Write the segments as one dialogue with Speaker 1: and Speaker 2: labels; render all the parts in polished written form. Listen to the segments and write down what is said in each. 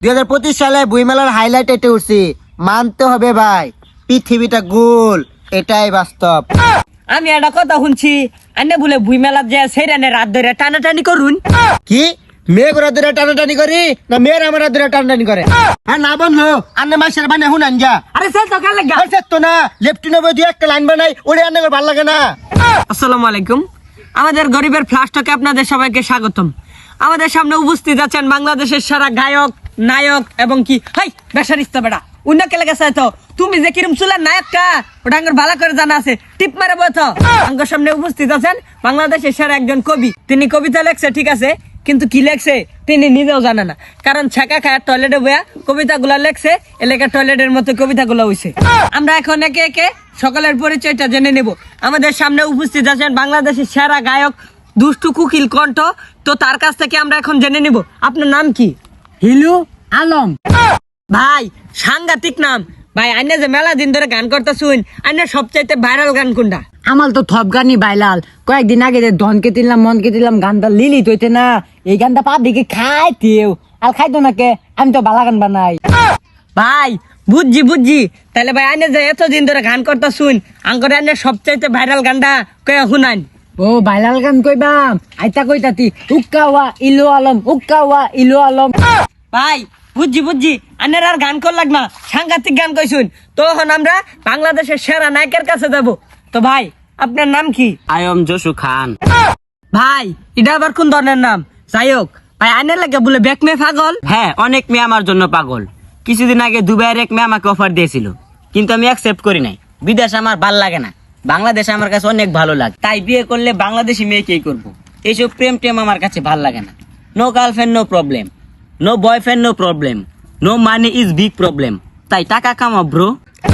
Speaker 1: 2025 সালে বইমেলার হাইলাইট এটে উঠছি, মানতে হবে ভাই, পৃথিবীটা গোল, এটাই বাস্তব।
Speaker 2: আমি একটা কথা শুনছি, আন্নে বলে বুই মেলার যে সেইরানে রাত ধরে টানাটানি করুন।
Speaker 1: কি মেয়ে গোরা ধরে টানাটানি করি না মেয়ের আমার ধরে টানাটানি করে? হ্যাঁ না বললো আন্নে মাসের বানে হুন আনজা।
Speaker 2: আরে স্যার তো কাল লাগা
Speaker 1: আরে তো না লেফটিনে বই দুই একটা লাইন বানাই ওরে আন্নে ভালো লাগে না।
Speaker 2: আসসালামু আলাইকুম, আমাদের গরিবের ফ্লাশটকে আপনাদের সবাইকে স্বাগতম। আমাদের সামনে উপস্থিত আছেন বাংলাদেশের সারা গায়ক, নায়ক এবং কি হাই বেসারিস্তা বেড়া উন্নকে লেগেছে। তো তুমি যে কিরম চুলের নায়কটা ওটা আঙ্গুর ভালো করে জানা আছে, টিপ মারে বলতো। আঙ্গুর সামনে উপস্থিত আছেন বাংলাদেশের সারা একজন কবি। তিনি কবিতা লেখছে ঠিক আছে, কিন্তু কি লেখছে তিনি নিজেও জানে না, কারণ ছাকা খায় টয়লেটে বইয়া কবিতাগুলা লেখছে, এলাকার টয়লেটের মতো কবিতাগুলো হইছে। আমরা এখন একে একে সকলের পরিচয়টা জেনে নেব। আমাদের সামনে উপস্থিত আছেন বাংলাদেশের সেরা গায়ক দুষ্টু কুকিল কণ্ঠ। তো তার কাছ থেকে আমরা এখন জেনে নিব আপনার নাম কি?
Speaker 3: হিলু আলম।
Speaker 2: ভাই সাংঘাতিক নাম ভাই। আইনে যে মেলা দিন ধরে গান করতে শুন, আইনে সবচাইতে ভাইরাল গান কোনটা?
Speaker 3: আমার তো থপ গানই বাইলাল। কয়েকদিন আগে যে ধনকে দিলাম মনকে দিলাম গানটা লিলি তৈতে না, এই গানটা পাবলিকে খাইতেও আর খাইতো না কে, আমি তো বালা গান বানাই।
Speaker 2: ভাই বুঝছি তাহলে ভাই আইনে যে এতদিন ধরে গান করতে শুন, আঙ্কর আইনে সবচাইতে ভাইরাল গানটা কয়ে শুনান।
Speaker 3: ও বাইলাল গান কইবাম, আইতা কইতাতি উক্কাওয়া ইলু আলম, উক্কাওয়া ইলু আলম।
Speaker 2: ভাই বুঝছি আনের আর গান কর লাগ না, সাংঘাতিক গান কইছুন। তখন আমরা বাংলাদেশের সেরা নায়কের কাছে যাব। তো ভাই আপনার নাম কি?
Speaker 4: আয়ম জসু খান।
Speaker 2: ভাই এটা আবার কোন ধরনের নাম? যাই হোক ভাই আনের লাগে বলে ব্যাক মে পাগল।
Speaker 4: হ্যাঁ, অনেক মেয়ে আমার জন্য পাগল। কিছুদিন আগে দুবাইয়ের এক মেয়ে আমাকে অফার দিয়েছিল, কিন্তু আমি অ্যাকসেপ্ট করি নাই। বিদেশ আমার ভাল লাগে না, বাংলাদেশ আমার কাছে অনেক ভালো লাগে। তাই বিয়ে করলে বাংলাদেশি মেয়েকেই করবো। এইসব প্রেম টেম আমার কাছে ভাল লাগে না। No girlfriend no problem, no boyfriend no problem, no money is big problem. তাই টাকা কামাও ব্রো।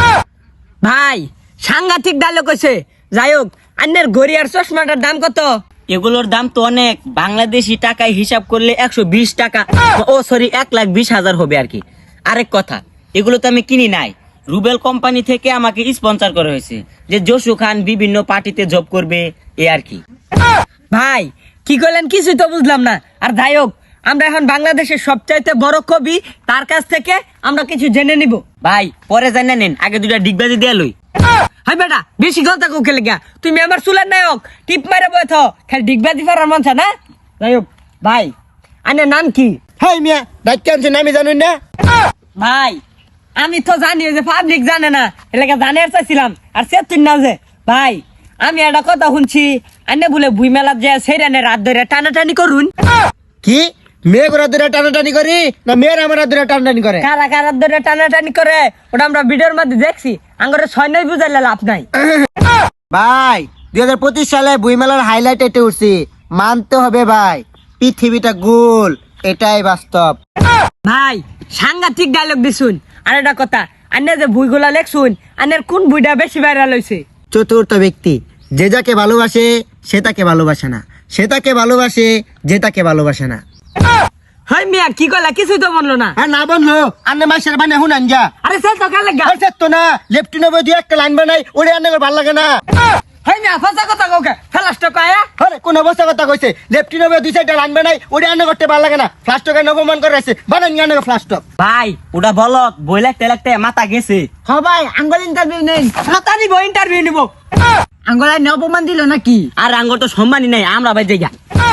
Speaker 2: ভাই সাংঘাতিক ডায়লগ কইছে। যাই হোক আন্নের ঘড়ি আর চশমাটার দাম কত?
Speaker 4: এগুলোর দাম তো অনেক, বাংলাদেশি টাকায় হিসাব করলে 120 টাকা, ও সরি 1,20,000 হবে আর কি। আরেক কথা, এগুলো তো আমি কিনি নাই, রুবেল কোম্পানি থেকে আমাকে স্পন্সর করা হয়েছে, যে জসু খান বিভিন্ন পার্টিতে জব করবে এ আর কি।
Speaker 2: ভাই কি করলেন কিছুই তো বুঝলাম না। আর যাই হোক আমরা এখন বাংলাদেশের সবচাইতে বড় কবি, তার কাছ থেকে আমরা কিছু জেনে নিব।
Speaker 4: ভাই পরে জানা নেন, আগে দুটা ডিগবাজি দিয়ে লই।
Speaker 2: হাই বেটা বেশি কথা কোকে লেগা, তুমি আমার চুলের নায়ক, টিপ মারে বইথ খালি ডিগবাজি ফারার মানছা না। যাই হোক ভাই আনের নাম কি?
Speaker 1: হাই মিয়া ডাক্তার আনছেন আমি জানুন না।
Speaker 2: ভাই আমি তো জানি যে পাবলিক জানে না, এলাকা জানার চাইছিলাম। আর সে তুই না যে ভাই আমি একটা কথা শুনছি, আনে বলে বুই মেলার যে সেইরানে রাত ধরে টানাটানি করুন।
Speaker 1: কি মেয়ে গোরা ধরে টানাটানি করি না মেয়ের আমার ধরে টানাটানি করে?
Speaker 2: কারা কারা ধরে টানাটানি করে ওটা আমরা ভিডিওর মধ্যে দেখছি, আঙ্গরে ছয় নয় বুঝাইলে লাভ নাই।
Speaker 1: ভাই 2025 সালে বইমেলার হাইলাইট এটে উঠছি, মানতে হবে ভাই, পৃথিবীটা গোল, এটাই বাস্তব।
Speaker 2: ভাই সাংঘাতিক ডায়লগ দিছুন। আর একটা কথা, আন্নে যে বইগুলা লেখছুন, আন্নের কোন বইটা বেশি ভাইরাল হয়েছে?
Speaker 1: চতুর্থ ব্যক্তি, যে যাকে ভালোবাসে সে তাকে ভালোবাসে না, সে তাকে ভালোবাসে যে তাকে ভালোবাসে না।
Speaker 2: হাই মিয়া কি কইলা কিছুই তো বললো না।
Speaker 1: হ্যাঁ না বললো আন্নে মাসের বানে হুন আনজা।
Speaker 2: আরে স্যার তো কাল লাগা
Speaker 1: আরে তো না লেফটিনে বই দুই একটা লাইন বানাই ওরে আন্নে ভালো লাগে না।
Speaker 2: হাই মিয়া ফাঁসা কথা কাউকে ফেলাসটা কয়া।
Speaker 1: আরে কোন অবস্থা কথা কইছে, লেফটিনে বই দুই চারটা লাইন বানাই ওরে আন্নে করতে ভালো লাগে না। ফ্লাস্টকে অপমান করে আছে, বানান গানে ফ্লাস্টক।
Speaker 4: ভাই ওটা বলত বই লাগতে লাগতে মাথা গেছে।
Speaker 3: হ ভাই আঙ্গল ইন্টারভিউ নেই,
Speaker 2: মাতা নিব ইন্টারভিউ নিব।
Speaker 3: আঙ্গলায় অপমান দিল নাকি?
Speaker 4: আর আঙ্গর তো সম্মানই নাই, আমরা ভাই জায়গা।